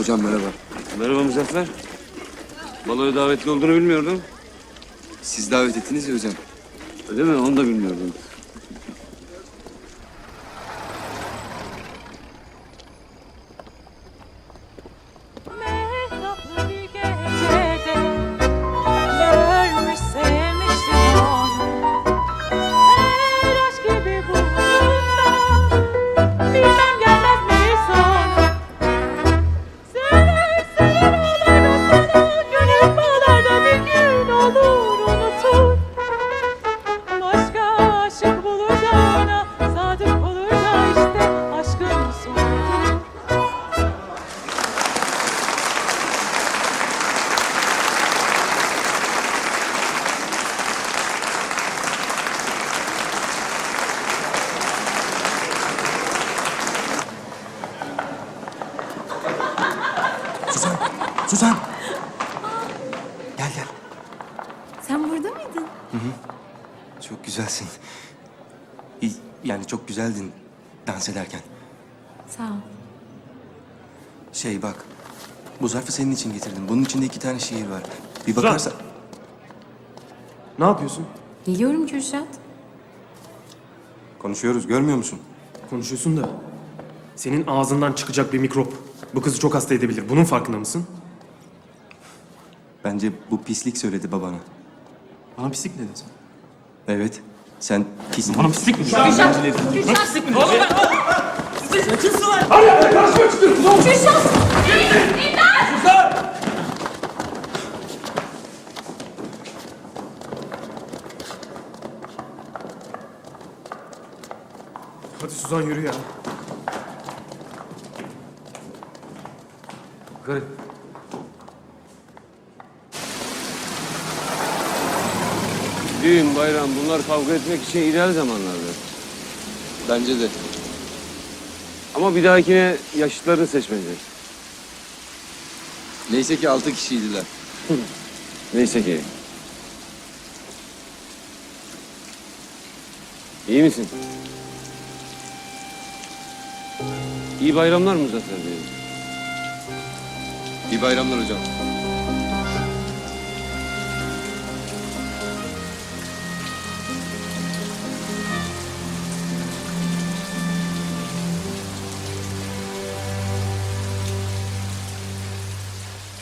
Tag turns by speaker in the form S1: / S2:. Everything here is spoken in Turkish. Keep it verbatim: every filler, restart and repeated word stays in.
S1: Hocam merhaba.
S2: Merhaba Muzaffer. Baloya davetli olduğunu bilmiyordum.
S1: Siz davet ettiniz ya hocam.
S2: Öyle mi? Onu da bilmiyordum.
S3: Mehtaplı bir gecede görmüş sevmiştim onu. Her aşk gibi bulduğunda bilmem gelmez mi sonu. Sever sever ağlar o sana, gönül bağlarda bir gün olur unutur. Başka aşık bulur da ona sadık olur da işte aşkın sonudur.
S1: Suzan! Suzan! Gel gel.
S4: Sen burada mıydın?
S1: Çok güzelsin. İyi, yani çok güzeldin dans ederken.
S4: Sağ ol.
S1: Şey bak, bu zarfı senin için getirdim. Bunun içinde iki tane şiir var. Bir bakarsan...
S5: Ne yapıyorsun?
S4: Geliyorum Kürşat.
S1: Konuşuyoruz, görmüyor musun?
S5: Konuşuyorsun da senin ağzından çıkacak bir mikrop bu kızı çok hasta edebilir. Bunun farkında mısın?
S1: Bence bu pislik söyledi babana.
S5: Bana pislik dedin sen.
S1: Evet, sen pis...
S5: Bana pislik mi? Hadi Suzan yürü ya.
S2: Yukarı. Düğün, bayram bunlar kavga etmek için ideal zamanlardır.
S1: Bence de.
S2: Ama bir dahakine yaşıtlarını seçmeyecek.
S1: Neyse ki altı kişiydiler.
S2: Neyse ki. İyi misin? İyi bayramlar Muzaffer Bey.
S1: İyi bayramlar hocam.